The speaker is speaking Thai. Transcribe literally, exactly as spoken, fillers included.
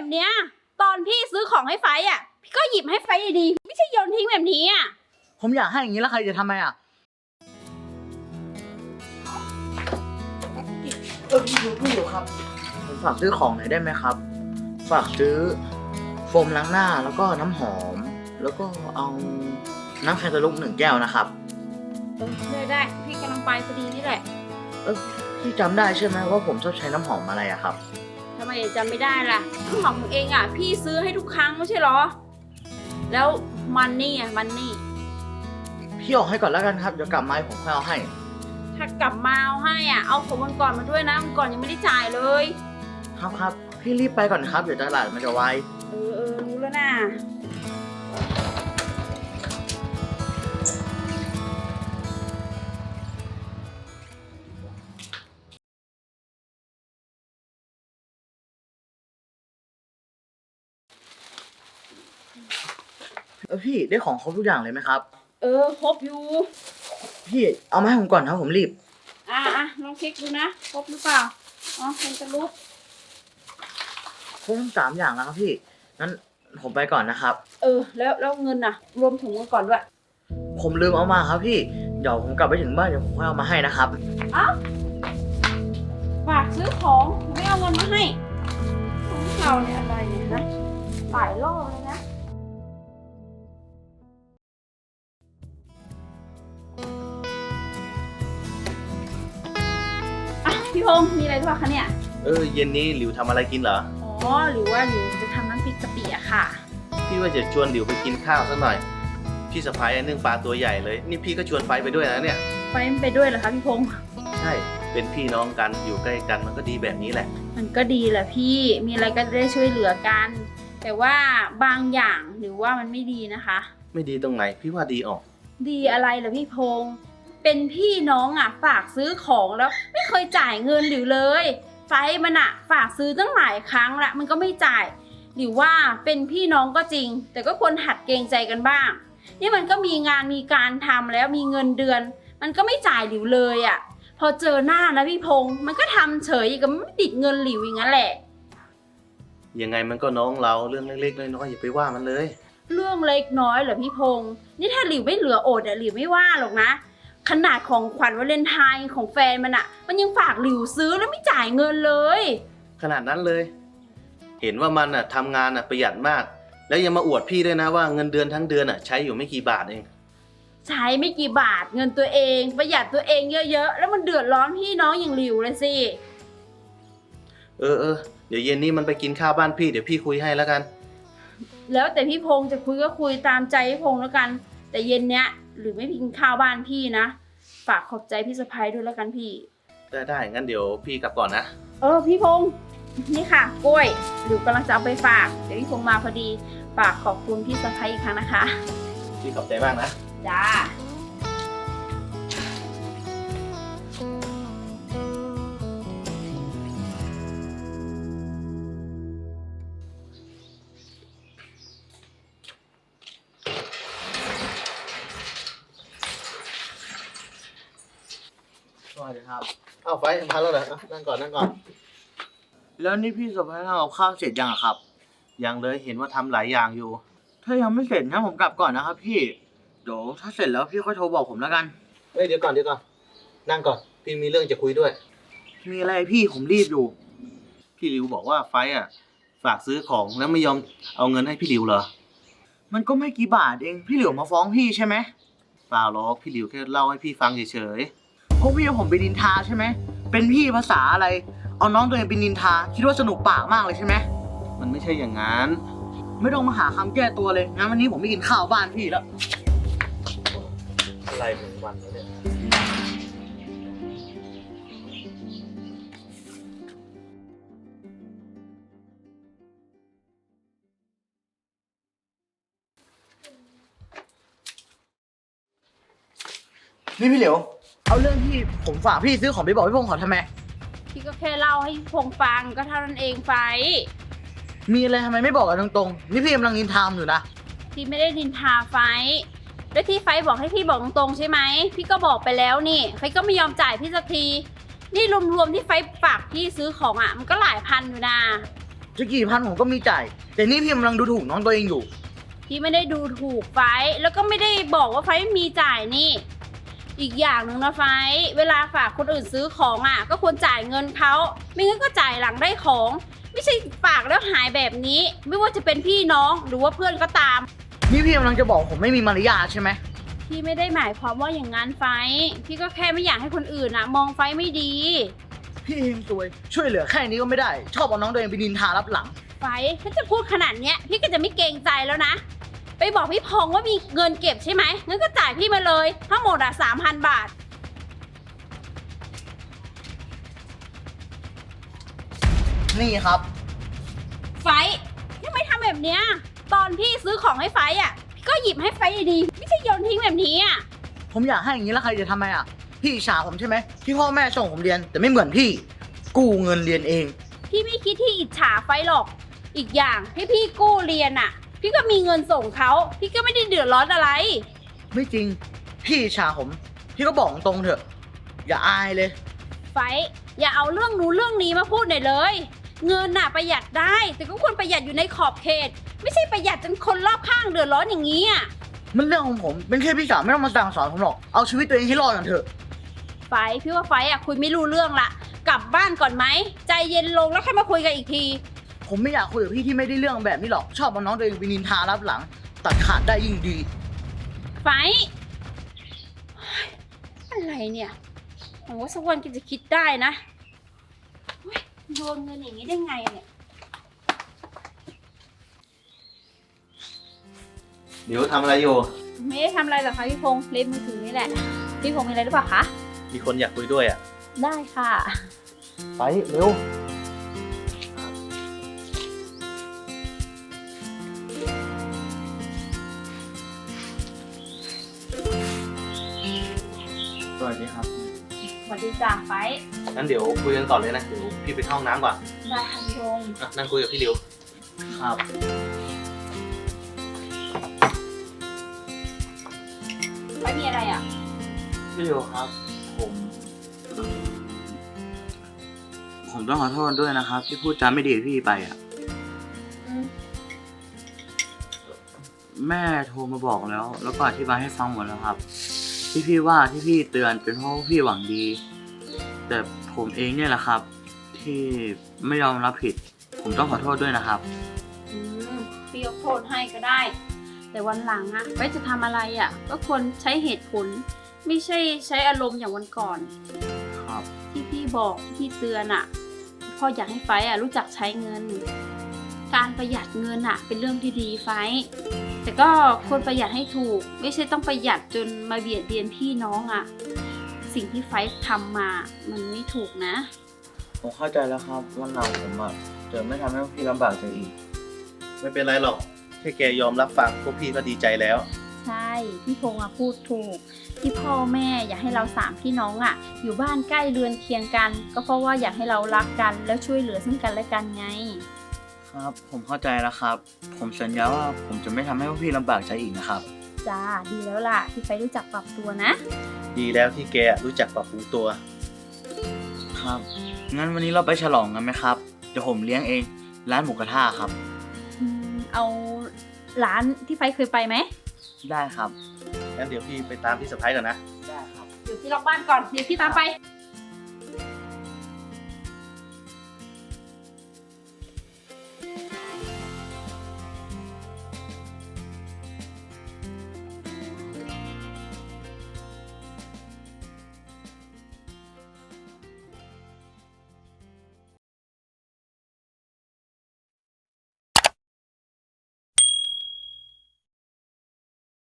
แบบเนี้ยตอนพี่ซื้อของให้ไฟอ่ะพี่ก็หยิบให้ไฟดีๆไม่ใช่โยนทิ้งแบบนี้อ่ะผมอยากให้อย่างนี้แล้วใครจะทำไมอ่ะเออพี่อยู่พี่อยู่ครับผมฝากซื้อของหน่อยได้ไหมครับฝากซื้อโฟมล้างหน้าแล้วก็น้ำหอมแล้วก็เอาน้ำแคนตาลูปหนึ่งแก้วนะครับเออได้ได้พี่กำลังไปพอดีนี่แหละเออพี่จำได้ใช่ไหมว่าผมชอบใช้น้ำหอมอะไรอะครับทำไมจำไม่ได้ล่ะน้ำหอมของเองอ่ะพี่ซื้อให้ทุกครั้งไม่ใช่หรอแล้วมันนี่อ่ะมันนี่พี่ออกให้ก่อนแล้วกันครับเดี๋ยวกลับมาผมค่อยเอาให้ถ้ากลับมาเอาให้อ่ะเอาของวันก่อนมาด้วยนะวันก่อนยังไม่ได้จ่ายเลยครับครับพี่รีบไปก่อนนะครับเดี๋ยวตลาดมันจะไวเออเออรู้แล้วนะเออพี่ได้ของครบทุกอย่างเลยไหมครับเออครบอยู่พี่เอามาให้ผมก่อนครับผมรีบอ่ะอ่ะลองเช็คดูนะครบหรือเปล่าอ๋อเป็นตะลุกครบทั้งสามอย่างแล้วครับพี่งั้นผมไปก่อนนะครับเออแล้วแล้วเงินน่ะรวมถุงเงินก่อนด้วยผมลืมเอามาครับพี่เดี๋ยวผมกลับไปถึงบ้านเดี๋ยวผมค่อยเอามาให้นะครับอ้าวฝากซื้อของไม่เอาเงินมาให้ของเราเนี่ยอะไรเนี่ยนะหลายรอบเลยนะอ่ะพี่พงษ์มีอะไรหรือเปล่าคะเนี่ยเออเย็นนี้หลิวทำอะไรกินเหรออ๋อหรือว่าหลิวจะทำน้ำพริกกะปิอะค่ะพี่ว่าจะชวนหลิวไปกินข้าวสักหน่อยพี่สะพ้ายนึ่งปลาตัวใหญ่เลยนี่พี่ก็ชวนไฟไปด้วยนะเนี่ยไฟไปด้วยเหรอคะพี่พงษ์ใช่เป็นพี่น้องกันอยู่ใกล้กันมันก็ดีแบบนี้แหละมันก็ดีแหละพี่มีอะไรก็ได้ช่วยเหลือกันแต่ว่าบางอย่างหรือว่ามันไม่ดีนะคะไม่ดีตรงไหนพี่ว่าดีออกดีอะไรล่ะพี่พงษ์เป็นพี่น้องอ่ะฝากซื้อของแล้วไม่เคยจ่ายเงินหรือเลยไฟมันอ่ะฝากซื้อตั้งหลายครั้งละมันก็ไม่จ่ายหรือว่าเป็นพี่น้องก็จริงแต่ก็ควรหัดเกรงใจกันบ้างนี่มันก็มีงานมีการทำแล้วมีเงินเดือนมันก็ไม่จ่ายหลิวเลยอ่ะพอเจอหน้านะพี่พงษ์มันก็ทำเฉยกับไม่ติดเงินหลิวอย่างนั้นแหละยังไงมันก็น้องเราเรื่องเล็กๆน้อยๆอย่าไปว่ามันเลยเรื่องเล็กน้อยเหรอพี่พงษ์นี่ถ้าหลิวไม่เหลืออดอะหลิวไม่ว่าหรอกนะขนาดของขวัญวาเลนไทน์ของแฟนมันอะมันยังฝากหลิวซื้อแล้วไม่จ่ายเงินเลยขนาดนั้นเลยเห็นว่ามันอะทำงานอะประหยัดมากแล้วยังมาอวดพี่ด้วยนะว่าเงินเดือนทั้งเดือนอะใช้อยู่ไม่กี่บาทเองใช้ไม่กี่บาทเงินตัวเองประหยัดตัวเองเยอะๆแล้วมันเดือดร้อนพี่น้องอย่างหลิวเลยสิเออเออเดี๋ยวเย็นนี้มันไปกินข้าวบ้านพี่เดี๋ยวพี่คุยให้แล้วกันแล้วแต่พี่พงษ์จะคุยก็คุยตามใจพี่พงษ์แล้วกันแต่เย็นเนี้ยหรือไม่ไปกินข้าวบ้านพี่นะฝากขอบใจพี่สะพ้ายด้วยแล้วกันพี่ได้ได้งั้นเดี๋ยวพี่กลับก่อนนะเออพี่พงษ์นี่ค่ะกล้วยหลิวกำลังจะเอาไปฝากเดี๋ยวพี่พงษ์มาพอดีฝากขอบคุณพี่สะพ้ายอีกครั้งนะคะพี่ขอบใจมากนะจ้าสวัสดีครับอ้าวไฟทำทันแล้วเหรอนั่งก่อนนั่งก่อนแล้วนี่พี่สะพ้ายทำกับข้าวเสร็จยังครับยังเลยเห็นว่าทำหลายอย่างอยู่ถ้ายังไม่เสร็จงั้นผมกลับก่อนนะครับพี่เดี๋ยวถ้าเสร็จแล้วพี่ค่อยโทรบอกผมแล้วกันเฮ้ยเดี๋ยวก่อนเดี๋ยวก่อนนั่งก่อนพี่มีเรื่องจะคุยด้วยมีอะไรพี่ผมรีบอยู่พี่ริวบอกว่าไฟอ่ะฝากซื้อของแล้วไม่ยอมเอาเงินให้พี่ริวเหรอมันก็ไม่กี่บาทเองพี่หลิวมาฟ้องพี่ใช่ไหมเปล่าหรอกพี่ริวแค่เล่าให้พี่ฟังเฉยๆพวกพี่เอาผมไปนินทาใช่ไหมเป็นพี่ภาษาอะไรเอาน้องตัวเองไปนินทาคิดว่าสนุกปากมากเลยใช่ไหมมันไม่ใช่อย่างนั้นไม่ต้องมาหาคำแก้ตัวเลยงั้นวันนี้ผมไม่กินข้าวบ้านพี่แล้วอะไรเป็นวันแล้วเนี่ยนี่พี่เหลียวเอาเรื่องที่ผมฝากพี่ซื้อของไปบอกพี่พงษ์เขาทำไมพี่ก็แค่เล่าให้พงษ์ฟังก็เท่านั้นเองไฟมีอะไรทำไมไม่บอกกันตรงๆนี่พี่กำลังนินทามอยู่นะพี่ไม่ได้นินทาไฟแล้วที่ไฟบอกให้พี่บอกตรงๆใช่ไหมพี่ก็บอกไปแล้วนี่ไฟก็ไม่ยอมจ่ายพี่สักทีนี่รวมๆที่ไฟฝากพี่ซื้อของอ่ะมันก็หลายพันอยู่นะจะกี่พันผมก็มีจ่าย แต่นี่พี่กำลังดูถูกน้องตัวเองอยู่พี่ไม่ได้ดูถูกไฟท์แล้วก็ไม่ได้บอกว่าไฟท์ไม่มีจ่ายนี่ อีกอย่างหนึ่งนะไฟท์เวลาฝากคนอื่นซื้อของอ่ะ ก็ควรจ่ายเงินเขาไม่งั้นก็จ่ายหลังได้ของ ไม่ใช่ฝากแล้วหายแบบนี้ ไม่ว่าจะเป็นพี่น้องหรือว่าเพื่อนก็ตามนี่พี่กำลังจะบอกผมไม่มีมารยาทใช่ไหมพี่ไม่ได้หมายความว่าอย่างนั้นไฟท์พี่ก็แค่ไม่อยากให้คนอื่นนะมองไฟท์ไม่ดีพี่เองซวย ช่วยเหลือแค่นี้ก็ไม่ได้ ชอบเอาน้องตัวเองไปนินทารับหลังไฟท์ถ้าจะพูดขนาดเนี้ยพี่ก็จะไม่เกรงใจแล้วนะ ไปบอกพี่พงษ์ว่ามีเงินเก็บใช่ไหมงั้นก็จ่ายพี่มาเลยทั้งหมดอ่ะสามพันบาทนี่ครับไฟท์ทำไมทำแบบเนี้ยตอนพี่ซื้อของให้ไฟท์อ่ะพี่ก็หยิบให้ไฟท์ดีๆไม่ใช่โยนทิ้งแบบนี้อ่ะผมอยากให้อย่างนี้แล้วใครจะทำไมอ่ะ พี่อิจฉาผมใช่ไหมที่พ่อแม่ส่งผมเรียน แต่ไม่เหมือนพี่ กู้เงินเรียนเองพี่ไม่คิดที่อิจฉาไฟท์หรอก อีกอย่างให้พี่กู้เรียนอ่ะ พี่ก็มีเงินส่งเขาพี่ก็ไม่ได้เดือดร้อนอะไรไม่จริง พี่อิจฉาผม พี่ก็บอกตรงๆเถอะ อย่าอายเลยไฟท์อย่าเอาเรื่องนู้นเรื่องนี้มาพูดหน่อยเลย เงินน่ะประหยัดได้ แต่ก็ควรประหยัดอยู่ในขอบเขต ไม่ใช่ประหยัดจนคนรอบข้างเดือดร้อนอย่างนี้อ่ะมันเรื่องของผม เป็นแค่พี่สาวไม่ต้องมาสั่งสอนผมหรอก เอาชีวิตตัวเองให้รอดกันเถอะไฟท์พี่ว่าไฟท์อ่ะคุยไม่รู้เรื่องละกลับบ้านก่อนไหมใจเย็นลงแล้วค่อยมาคุยกันอีกทีผมไม่อยากคุยกับพี่ที่ไม่ได้เรื่องแบบนี้หรอก ชอบเอาน้องตัวเองไปนินทารับหลัง ตัดขาดได้ยิ่งดีไฟท์เฮ้ยอะไรเนี่ยหวังว่าสักวันแกจะคิดได้นะเฮ้ยโยนเงินอย่างนี้ได้ไงเนี่ยเดี๋ยวทำอะไรอยู่ไม่ได้ทำอะไรหรอกคะพี่พงษ์เล่นมือถือนี่แหละ พี่พงษ์มีอะไรหรือเปล่าคะมีคนอยากคุยด้วยอ่ะได้ค่ะไปเร็ว สวัสดีครับสวัสดีจ้าไฟท์งั้นเดี๋ยวคุยกันก่อนเลยนะ เดี๋ยวพี่ไปเข้าห้องน้ำก่อนได้ค่ะพี่พงษ์อ่ะนั่งคุยกับพี่ริวครับไฟท์มีอะไรอ่ะพี่โยครับ ผม ผมต้องขอโทษด้วยนะครับ ที่พูดจาไม่ดีกับพี่ไปอ่ะอืมแม่โทรมาบอกแล้ว แล้วก็อธิบายให้ฟังหมดแล้วครับ ที่พี่ว่าที่พี่เตือนเป็นเพราะว่าพี่หวังดี แต่ผมเองเนี่ยแหละครับ ที่ไม่ยอมรับผิด ผมต้องขอโทษด้วยนะครับอืมพี่ยกโทษให้ก็ได้ แต่วันหลังอะไว้จะทำอะไรอะก็ควรใช้เหตุผล ไม่ใช่ใช้อารมณ์อย่างวันก่อนครับที่พี่บอกที่พี่เตือนอะพ่ออยากให้ไฟท์อะรู้จักใช้เงิน การประหยัดเงินอะเป็นเรื่องที่ดีไฟท์แต่ก็ควรประหยัดให้ถูก ไม่ใช่ต้องประหยัดจนมาเบียดเบียนพี่น้องอะสิ่งที่ไฟท์ทำมามันไม่ถูกนะผมเข้าใจแล้วครับวันหลังผมอ่ะจะไม่ทำให้พี่ลำบากใจอีกไม่เป็นไรหรอก แค่แกยอมรับฟังพวกพี่ก็ดีใจแล้วใช่พี่พงษ์อะพูดถูก ที่พ่อแม่อยากให้เราสามพี่น้องอะอยู่บ้านใกล้เรือนเคียงกัน ก็เพราะว่าอยากให้เรารักกันแล้วช่วยเหลือซึ่งกันและกันไงครับ ผมเข้าใจแล้วครับ ผมสัญญาว่าผมจะไม่ทำให้พวกพี่ลำบากใจอีกนะครับจ้าดีแล้วล่ะที่ไฟรู้จักปรับตัวนะดีแล้วที่แกรู้จักปรับปรุงตัวครับ งั้นวันนี้เราไปฉลองกันไหมครับ เดี๋ยวผมเลี้ยงเอง ร้านหมูกระทะครับอืมเอาร้านที่ไฟเคยไปไหมได้ครับงั้นเดี๋ยวพี่ไปตามพี่สะพ้ายก่อนนะได้ครับเดี๋ยวพี่ล็อกบ้านก่อนเดี๋ยวพี่ตามไป